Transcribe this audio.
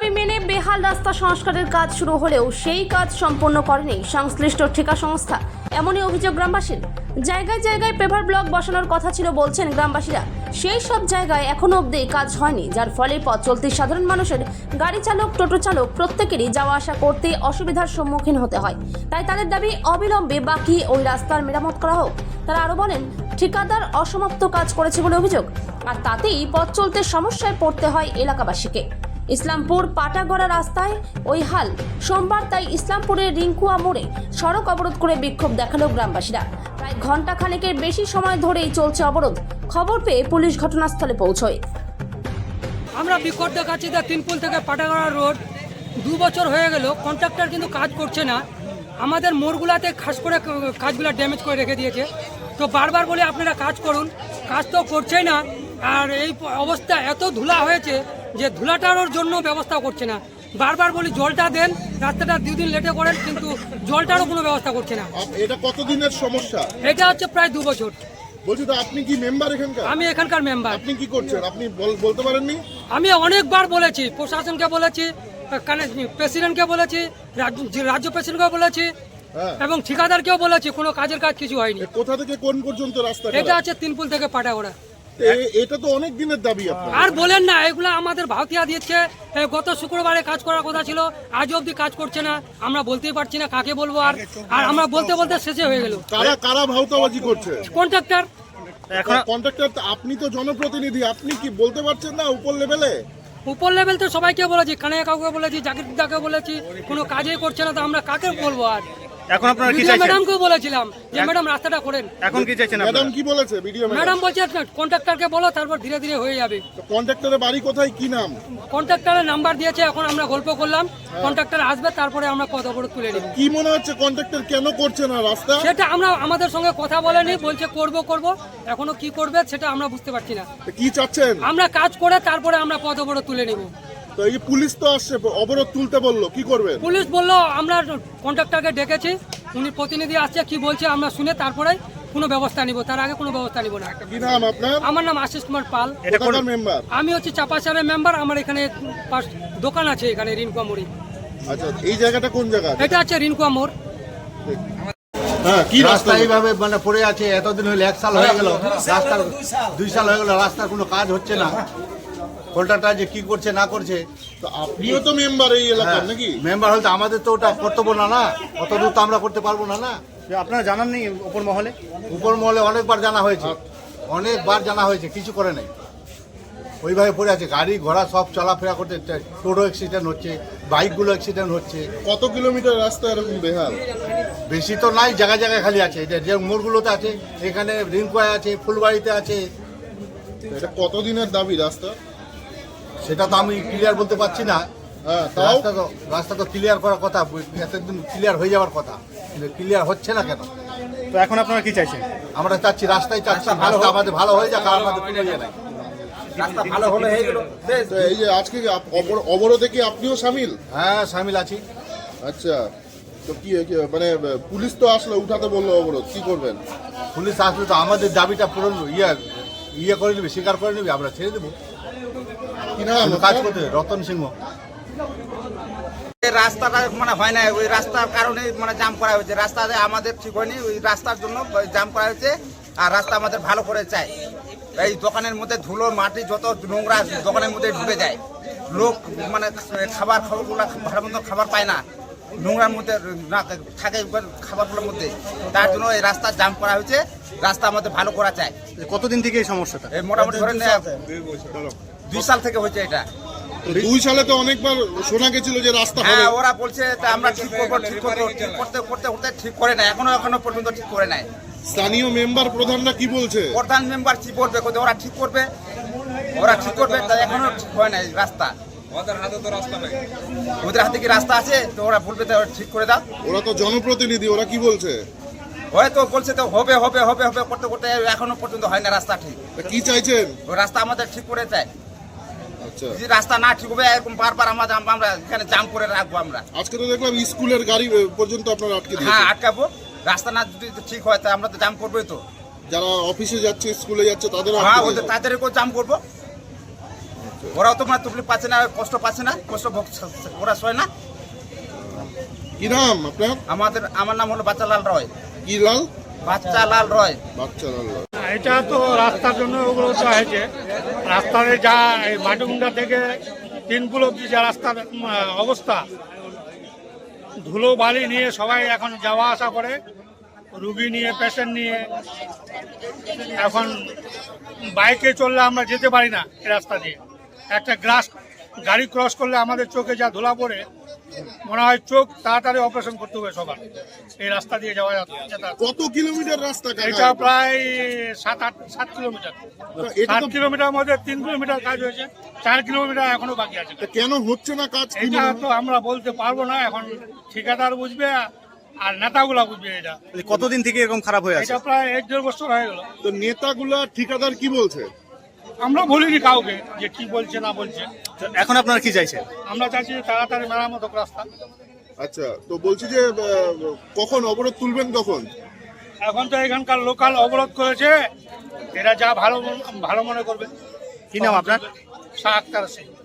দাবি মেনে বেহাল রাস্তা সংস্কারের কাজ শুরু হলেও সেই কাজ সম্পন্ন করেনি সংশ্লিষ্ট ঠিকা সংস্থা, এমনই অভিযোগ গ্রামবাসীর। জায়গায় জায়গায় পেভার ব্লক বসানোর কথা ছিল বলছেন গ্রামবাসীরা, সেই সব জায়গায় এখনো অবধি কাজ হয়নি, যার ফলে পথ চলতি সাধারণ মানুষের, গাড়ি চালক, টোটো চালক প্রত্যেকেরই যাওয়া আসা করতে অসুবিধার সম্মুখীন হতে হয়। তাই তাদের দাবি অবিলম্বে বাকি ওই রাস্তার মেরামত করা হোক। তারা আরও বলেন, ঠিকাদার অসমাপ্ত কাজ করেছে বলে অভিযোগ, আর তাতেই পথ চলতে সমস্যায় পড়তে হয় এলাকাবাসীকে। ইসলামপুর পাটাগড়া রাস্তায় ওই হাল সোমবার, তাই ইসলামপুরের রিঙ্কুয়া মোড়ে সড়ক অবরোধ করে বিক্ষোভ দেখালো গ্রামবাসীরা। প্রায় ঘন্টা খানেকের বেশি সময় ধরেই চলছে অবরোধ। খবর পেয়ে পুলিশ ঘটনাস্থলে পৌঁছয়। আমরা বিক্ষোভ দেখাচ্ছি যে তিনপুল থেকে পাটাগড়া রোড 2 বছর হয়ে গেল, কন্ট্রাক্টর কিন্তু কাজ করছে না। আমাদের মোড়গুলাতে খাস করে কাজগুলো ড্যামেজ করে রেখে দিয়েছে। তো বারবার বলে আপনারা কাজ করুন, কাজ তো করছেই না। আর এই অবস্থা এত ধুলা হয়েছে যে ধুলাটার জন্য ব্যবস্থা করছে না। বারবার বলি জলটা দেন, রাস্তাটা 2 দিন লেটে করেন, কিন্তু জলটারও কোনো ব্যবস্থা করছে না। এটা কতদিনের সমস্যা? এটা হচ্ছে প্রায় 2 বছর। বলছি তো, আপনি কি মেম্বার এখানকার? আমি এখানকার মেম্বার। আপনি কি করছেন? আপনি বলতে পারেননি? আমি অনেকবার বলেছি, প্রশাসনকে বলেছি, প্রেসিডেন্টকে বলেছি, রাজ্য প্রেসিডেন্টকে বলেছি, এবং ঠিকাদারকেও বলেছি, কোনো কাজের কাজ কিছু হয়নি। কোথা থেকে কোন পর্যন্ত রাস্তা? এটা হচ্ছে তিনপুল থেকে পাটাগড়া। এটা তো অনেক দিনের দাবি আপনার। আর বলেন না, এগুলো আমাদের ভাওতিয়া দিচ্ছে। গত শুক্রবারে কাজ করার কথা ছিল, আজ অবধি কাজ করছে না। আমরা বলতেই পারছি না কাকে বলবো। আর আমরা বলতে বলতে শেষে হয়ে গেল। কারা ভাওতাবাজি করছে? কন্ট্রাক্টর। কন্ট্রাক্টর আপনি তো জনপ্রতিনিধি, আপনি কি বলতে পারছেন না উপর লেভেলে? উপর লেভেল তো সবাইকে বলেছি, কানাইয়া কাউকে বলেছি, জাকির দাকে বলেছি, কোনো কাজই করছে না। তো আমরা কাকে বলবো? আর এখন আপনারা কি চাইছেন? ম্যাডামকেও বলেছিলাম যে ম্যাডাম রাস্তাটা করেন। এখন কি চাইছেন? ম্যাডাম কি বলেছে? ভিডিও ম্যাডাম বলছে কন্ট্রাক্টরকে বলো, তারপর ধীরে ধীরে হয়ে যাবে। কন্ট্রাক্টরের বাড়ি কোথায়, কি নাম? কন্ট্রাক্টরের নাম্বার দিয়েছে, এখন আমরা গল্প করলাম। কন্ট্রাক্টর আসবে, তারপরে আমরা পথ অবরোধ তুলে নিব। কি মনে হচ্ছে কন্ট্রাক্টর কেন করছে না রাস্তা? সেটা আমরা আমাদের সঙ্গে কথা বলেনি, বলছে করব। এখনো কি করবে সেটা আমরা বুঝতে পারছি না। কি চাচ্ছেন? আমরা কাজ করে তারপরে আমরা পথ অবরোধ তুলে নিব। তো এই পুলিশ তো আসছে, অবরোধ তুলতে বললো, কি করবেন? পুলিশ বললো আমরা কন্ট্রাক্টরকে ডেকেছি, উনি প্রতিনিধি আসছে, কি বলছে আমরা শুনে তারপরে কোনো ব্যবস্থা নিব, তার আগে কোনো ব্যবস্থা নিব না। কি নাম আপনার? আমার নাম আশিস কুমার পাল। কোথাকার মেম্বার? আমি হচ্ছে চাপাচারের মেম্বার। আমার এখানে দোকান আছে, এখানে রিনকুয়া মোড়ে। আচ্ছা, এই জায়গাটা কোন জায়গা? এটা হচ্ছে রিনকুয়া মোড়। হ্যাঁ, কি রাস্তা এইভাবে মানে পড়ে আছে এতদিন হলে, 1 সাল হয়ে গেল, রাস্তার 2 সাল হয়ে গেল, রাস্তার কোনো কাজ হচ্ছে না। কন্ট্রাক্টর যে কি করছে না করছে। তো আপনিও তো মেম্বার এই এলাকার নাকি? মেম্বার হলে আমাদের তো ওটা কর্তব্য না, অত দূর তো আমরা করতে পারবো না। আপনারা জানান নেই উপর মহলে? উপর মহলে অনেকবার জানা হয়েছে, কিছু করে নাই। ওইভাবে পড়ে আছে, গাড়ি ঘোড়া সব চলাফেরা করতে, টোটো অ্যাক্সিডেন্ট হচ্ছে, বাইকগুলো অ্যাক্সিডেন্ট হচ্ছে। কত কিলোমিটার রাস্তা এরকম বেহাল? বেশি তো নাই, জায়গায় জায়গায় খালি আছে। এটা যে মোড়গুলোতে আছে, এখানে রিঙ্কুয়ায় আছে, ফুলবাড়িতে আছে। এটা কতদিনের দাবি রাস্তা? সেটা তো আমি ক্লিয়ার বলতে পারছি না। হ্যাঁ, তাও রাস্তা তো ক্লিয়ার করার কথা, এতদিন ক্লিয়ার হয়ে যাওয়ার কথা, কিন্তু ক্লিয়ার হচ্ছে না কেন? তো এখন আপনারা কি চাইছেন? আমরা চাচ্ছি রাস্তায় চাচ্ছি, রাস্তা আমাদের ভালো হয়ে যাক, আর আমাদের কোনো ইয়ে নাই। রাস্তা ভালো হলে হয়ে গেল। তো এই যে আজকে অবরোধে কি আপনিও সামিল? হ্যাঁ, সামিল আছি। আচ্ছা, তো কি মানে পুলিশ তো আসলো, উঠাতে বললো অবরোধ, কি করবেন? পুলিশ আসলে তো আমাদের দাবিটা পুরো ইয়ে করে নেবে, স্বীকার করে নেবে, আমরা ছেড়ে দেবো। কি নাম? কাজ করতে রতন সিংহ। রাস্তাটা মানে হয় না, ওই রাস্তার কারণে মানে জাম করা হয়েছে। রাস্তাতে আমাদের ঠিক হয়নি, ওই রাস্তার জন্য জাম করা হয়েছে। আর রাস্তা আমাদের ভালো করে চাই। এই দোকানের মধ্যে ধুলো মাটি যত নোংরা দোকানের মধ্যে ঢুকে যায়, লোক মানে খাবারগুলো ভালো মতো খাবার পায় না, নোংরার মধ্যে না থাকে খাবারগুলোর মধ্যে। তার জন্য এই রাস্তা জাম করা হয়েছে। রাস্তা আমাদের ভালো করা চাই। কতদিন থেকে এই সমস্যাটা? এই মোটামুটি ধরেন 2 সাল থেকে হচ্ছে এটা। 2 সালে তো অনেকবার শোনা গেছিল যে রাস্তা হবে। হ্যাঁ, ওরা বলছে আমরা ঠিক করবো, ঠিক করতে ঠিক করে নাই, এখনো পর্যন্ত ঠিক করে নাই। স্থানীয় মেম্বার প্রধানরা কি বলছে? প্রধান মেম্বার কি বলবে, ওরা ঠিক করবে, তা এখনো ঠিক হয় নাই রাস্তা। ওদের হাতে কি রাস্তা আছে? তো ওরা বলবে ঠিক করে দাও। ওরা তো জনপ্রতিনিধি, ওরা কি বলছে? হয়তো বলছে তো হবে করতে করতে এখনো পর্যন্ত হয় না রাস্তা ঠিক। কি চাইছেন? ওই রাস্তা আমাদের ঠিক করে চাই। আচ্ছা, যদি রাস্তা না ঠিক হবে, এরকম বারবার আমরা এখানে জাম করে রাখবো। আমরা আজকে তো দেখলাম স্কুলের গাড়ি পর্যন্ত আপনারা আটকে হ্যাঁ দিয়েছেন। আটকাবো। রাস্তা না যদি ঠিক হয় তা আমরা তো জাম করবোই। তো যারা অফিসে যাচ্ছে, স্কুলে যাচ্ছে, তাদের হ্যাঁ, ওদের তাদেরকেও জাম করবো। ওরাও তো মানে তকলিফ পাচ্ছে না, কষ্ট পাচ্ছে না, কষ্ট ওরা সয় না। কি নাম আপনার? আমার নাম হলো বাচ্চালাল রয়। কি লাল? বাচ্চালাল রয়। বাচ্চা লাল। এটা তো রাস্তার জন্য ওগুলো তো হয়েছে। রাস্তাতে যা এই মাটুমুন্ডা থেকে তিনপুল অব্দি যা রাস্তার অবস্থা, ধুলো বালি নিয়ে সবাই এখন যাওয়া আসা করে, রুগী নিয়ে, পেশেন্ট নিয়ে। এখন বাইকে চললে আমরা যেতে পারি না এই রাস্তা দিয়ে। একটা গাড়ি ক্রস করলে আমাদের চোখে যা ধুলা পড়ে, মনে হয় চোখ তাড়াতাড়ি অপারেশন করতে হবে সবার। এই রাস্তা দিয়ে যাওয়া যাতায়াত। কত কিলোমিটার রাস্তা কাকা? এটা প্রায় 7 কিলোমিটার। এটা 7 কিলোমিটার মধ্যে 3 কিলোমিটার কাজ হয়েছে, 4 কিলোমিটার এখনো বাকি আছে। কেন হচ্ছে না কাজ? কি এটা তো আমরা বলতে পারবো না, এখন ঠিকাদার বুঝবে আর নেতাগুলা বুঝবে। এটা কতদিন থেকে এরকম খারাপ হয়ে আছে? এটা প্রায় 1-1.5 বছর হয়ে গেল। তো নেতাগুলা ঠিকাদার কি বলছে? আমরা বলিনি কাউকে যে কি বলছে না বলছে। তো এখন আপনারা কি চাইছেন? আমরা চাইছি তাড়াতাড়ি মেরামত হোক রাস্তা। আচ্ছা, তো বলছি যে কখন অবরোধ তুলবেন কখন? এখন তো এখানকার লোকাল অবরোধ করেছে, এরা যা ভালো মনে করবে। কি নাম আপনার? শাহ আক্তার সিং।